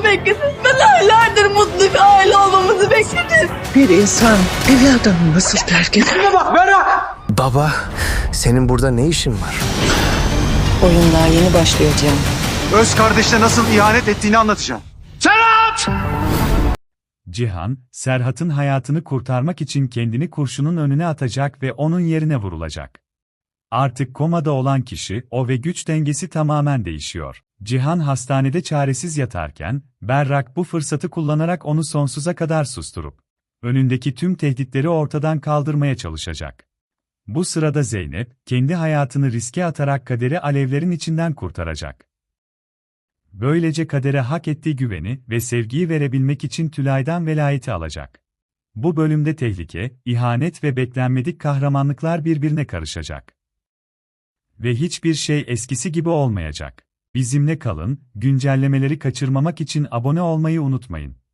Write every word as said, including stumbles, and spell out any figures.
beklediniz. Ben aylardır mutlu bir aile olmamızı bekledim. Bir insan evladını nasıl terk eder? Baba, senin burada ne işin var? Oyun daha yeni başlıyor Cihan. Öz kardeşine nasıl ihanet ettiğini anlatacağım. Cihan, Serhat'ın hayatını kurtarmak için kendini kurşunun önüne atacak ve onun yerine vurulacak. Artık komada olan kişi, o ve güç dengesi tamamen değişiyor. Cihan hastanede çaresiz yatarken, Berrak bu fırsatı kullanarak onu sonsuza kadar susturup, önündeki tüm tehditleri ortadan kaldırmaya çalışacak. Bu sırada Zeynep, kendi hayatını riske atarak Kader'i alevlerin içinden kurtaracak. Böylece Kader'e hak ettiği güveni ve sevgiyi verebilmek için Tülay'dan velayeti alacak. Bu bölümde tehlike, ihanet ve beklenmedik kahramanlıklar birbirine karışacak. Ve hiçbir şey eskisi gibi olmayacak. Bizimle kalın, güncellemeleri kaçırmamak için abone olmayı unutmayın.